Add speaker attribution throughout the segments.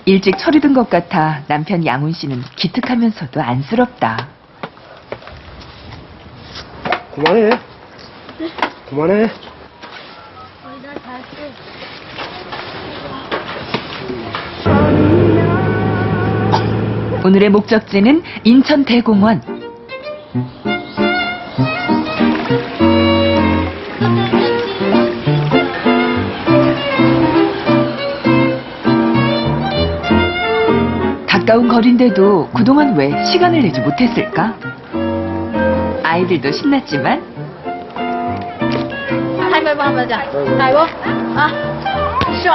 Speaker 1: 일찍 철이 든 것 같아 남편 양훈 씨는 기특하면서도 안쓰럽다.
Speaker 2: 그만해. 그만해.
Speaker 1: 오늘의 목적지는 인천 대공원. 가까운 거리인데도 그동안 왜 시간을 내지 못했을까? 아이들도 신났지만
Speaker 3: 가위바위보 한번 하자. 가위바위보. 아, 싫어.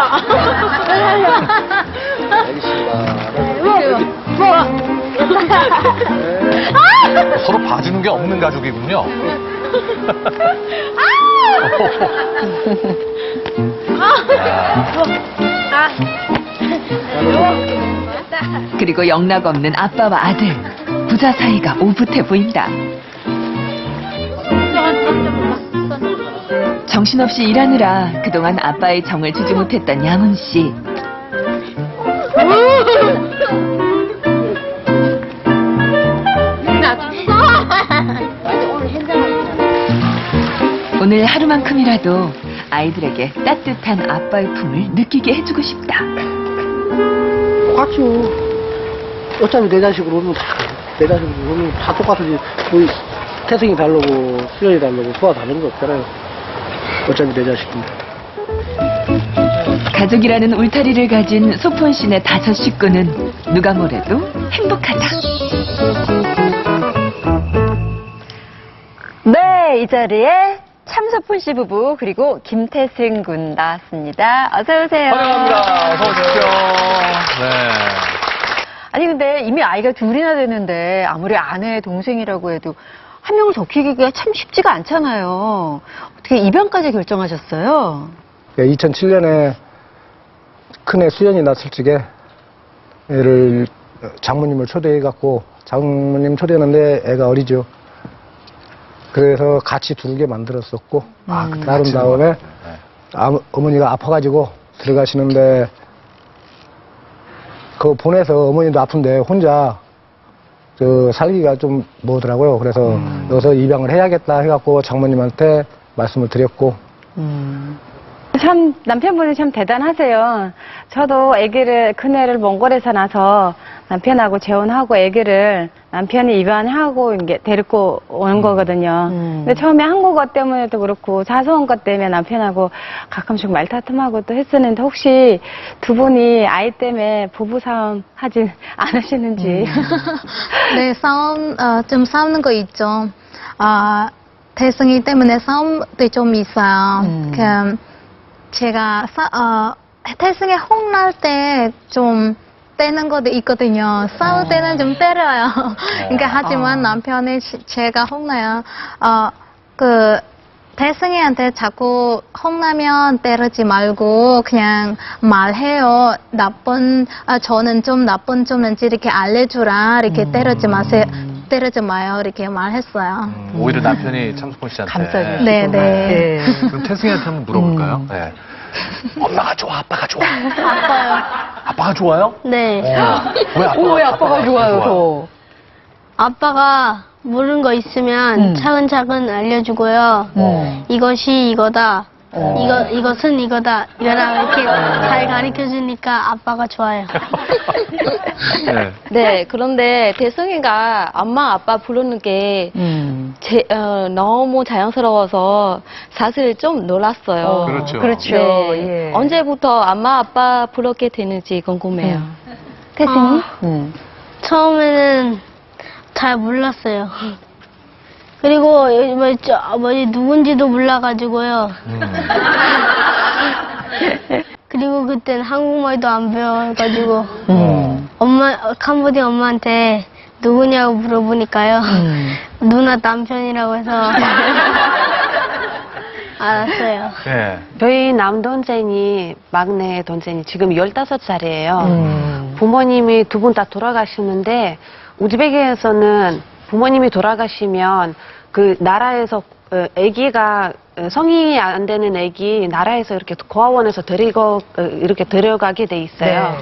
Speaker 2: 알겠습니다.
Speaker 4: 서로 봐주는 게 없는 가족이군요.
Speaker 1: 그리고 영락없는 아빠와 아들. 부자 사이가 오붓해 보인다. 정신없이 일하느라 그동안 아빠의 정을 주지 못했던 양훈 씨. 오늘 하루만큼이라도 아이들에게 따뜻한 아빠의 품을 느끼게 해주고 싶다.
Speaker 2: 똑같죠. 어차피 내 자식으로 오면 내 자식으로 오면 다 똑같으지. 우리 태생이 다르고 수련이 다르고 소화 다른 거 없잖아요. 어차피 내 자식인데.
Speaker 1: 가족이라는 울타리를 가진 소폰 씨네 5 식구는 누가 뭐래도 행복하다.
Speaker 5: 네, 이 자리에 참소폰 씨 부부 그리고 김태승 군 나왔습니다. 어서 오세요.
Speaker 4: 환영합니다. 어서 오십시오. 네.
Speaker 5: 아니 근데 이미 아이가 둘이나 되는데 아무리 아내 동생이라고 해도 한 명을 더 키우기가 참 쉽지가 않잖아요. 어떻게 입양까지 결정하셨어요?
Speaker 2: 2007년에 큰애 수연이 났을 적에 애를 장모님을 초대해갖고 장모님 초대했는데 애가 어리죠. 그래서 같이 두르게 만들었었고 나름 다음에 어머니가 아파가지고 들어가시는데 그거 보내서 어머니도 아픈데 혼자 살기가 좀 뭐더라고요. 그래서 여기서 입양을 해야겠다 해갖고 장모님한테 말씀을 드렸고.
Speaker 6: 참 남편분이 참 대단하세요. 저도 큰애를 몽골에서 나서 남편하고 재혼하고 아기를 남편이 입양하고 이게 데리고 오는 거거든요. 근데 처음에 한국어 때문에도 그렇고 자소한 것 때문에 남편하고 가끔씩 말다툼하고 또 했었는데 혹시 두 분이 아이 때문에 부부싸움 하진 않으시는지.
Speaker 3: 네, 좀 싸우는 거 있죠. 태승이 때문에 싸움도 좀 있어요. 제가 태승이 혼날 때 좀 떼는 것도 있거든요. 싸울 때는 좀 때려요. 그러니까 하지만 남편이 제가 혼나요. 태승이한테 자꾸 혼나면 때리지 말고 그냥 말해요. 저는 좀 나쁜 점인지 이렇게 알려주라. 이렇게 때리지 마세요. 때리지 마요. 이렇게 말했어요.
Speaker 4: 오히려 남편이 참소폰 씨한테.
Speaker 5: 감싸주시고.
Speaker 3: 네.
Speaker 4: 그럼 태승이한테 한번 물어볼까요? 네. 엄마가 좋아, 아빠가 좋아?
Speaker 3: 아빠요.
Speaker 4: 아빠가 좋아요?
Speaker 3: 네.
Speaker 4: 왜
Speaker 5: 아빠가 좋아요, 더?
Speaker 3: 아빠가 모르는 거 있으면 차근차근 알려주고요. 이것이 이거다. 이것은 이거다. 이렇게 잘 가르쳐 주니까 아빠가 좋아요.
Speaker 4: 네.
Speaker 7: 네, 그런데 대승이가 엄마 아빠 부르는 게 너무 자연스러워서 사실 좀 놀랐어요.
Speaker 4: 그렇죠.
Speaker 5: 그렇죠.
Speaker 7: 네.
Speaker 5: 예.
Speaker 7: 언제부터 엄마 아빠 부르게 되는지 궁금해요.
Speaker 5: 태승이?
Speaker 3: 처음에는 잘 몰랐어요. 그리고 누군지도 몰라가지고요. 그리고 그땐 한국말도 안 배워가지고 캄보디아 엄마한테 누구냐고 물어보니까요. 누나 남편이라고 해서 알았어요.
Speaker 4: 네.
Speaker 6: 저희 남동생이 막내 동생이 지금 15살이에요. 부모님이 두 분 다 돌아가시는데 우즈베키에서는 부모님이 돌아가시면 그 나라에서 아기가 성인이 안 되는 아기 나라에서 이렇게 고아원에서 이렇게 데려가게 돼 있어요.
Speaker 5: 네.